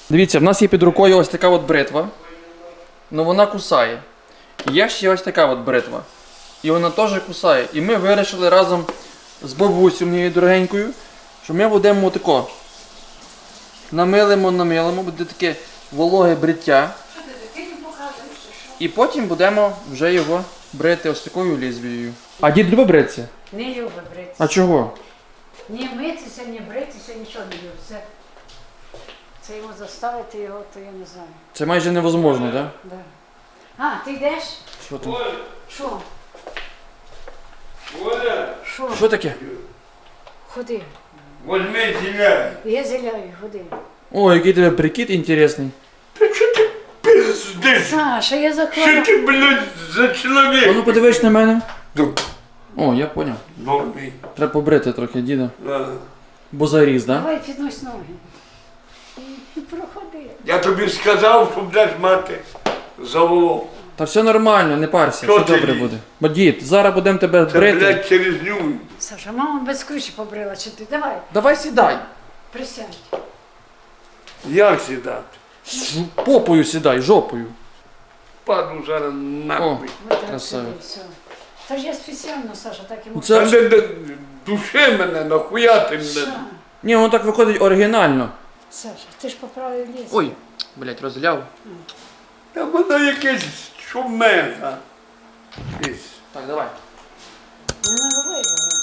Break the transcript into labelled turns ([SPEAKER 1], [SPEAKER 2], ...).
[SPEAKER 1] Дивіться, в нас є під рукою ось така от бритва. Ну вона кусає. І є ще ось така от бритва. І вона теж кусає. І ми вирішили разом з бабусею моєю дорогенькою, що ми будемо отако. Намилимо, буде таке вологе бриття. І потім будемо вже його брити ось такою лезвією. А дід любить бритися?
[SPEAKER 2] Не любить бритися.
[SPEAKER 1] А чого?
[SPEAKER 2] Ні митися, ні бритися, нічого не любить. Це його заставити його, то я не знаю.
[SPEAKER 1] Це майже невозможно, так?
[SPEAKER 2] Да. А, ти йдеш?
[SPEAKER 1] Що там?
[SPEAKER 2] Що?
[SPEAKER 3] Оля,
[SPEAKER 2] Що?
[SPEAKER 1] Що таке?
[SPEAKER 2] Ходи.
[SPEAKER 3] возьми зеляй.
[SPEAKER 2] Я зіляю, ходи.
[SPEAKER 1] О, який тебе прикид інтересний.
[SPEAKER 3] Пиздиш.
[SPEAKER 2] Саша, я
[SPEAKER 3] Що
[SPEAKER 2] закладу.
[SPEAKER 3] ти, блядь, за
[SPEAKER 1] А ну
[SPEAKER 3] чоловік?
[SPEAKER 1] подивись на мене.
[SPEAKER 3] Ну,
[SPEAKER 1] О, я поняв.
[SPEAKER 3] Бомбі.
[SPEAKER 1] Треба побрити трохи діда.
[SPEAKER 3] Да.
[SPEAKER 1] Бо заріз, так?
[SPEAKER 2] Давай піднось ноги. І проходи.
[SPEAKER 3] Я тобі сказав, що будеш мати заволок.
[SPEAKER 1] Та все нормально, не парся,
[SPEAKER 3] Що
[SPEAKER 1] все
[SPEAKER 3] ти
[SPEAKER 1] добре
[SPEAKER 3] їй?
[SPEAKER 1] буде. Бо дід, зараз будемо тебе
[SPEAKER 3] Це,
[SPEAKER 1] брити.
[SPEAKER 3] блядь, через ню.
[SPEAKER 2] Саша, мама без ключі побрила, чи ти? Давай,
[SPEAKER 1] Давай сідай.
[SPEAKER 2] присядь.
[SPEAKER 3] Як сідати?
[SPEAKER 1] Попою сідай, жопою.
[SPEAKER 3] Паду зараз нахуй.
[SPEAKER 2] Вот так
[SPEAKER 1] Красавець.
[SPEAKER 2] сиди, все. Та ж я спеціально, Саша, так і можу.
[SPEAKER 1] Це-
[SPEAKER 3] Та души мене, нахуя ти мене?
[SPEAKER 2] Саша,
[SPEAKER 1] Ні, воно так виходить оригінально.
[SPEAKER 2] Саша, ти ж поправив ліс.
[SPEAKER 1] Ой, блять, розляв.
[SPEAKER 3] Та воно якесь шумега.
[SPEAKER 1] Так, давай.
[SPEAKER 2] Не наливай його.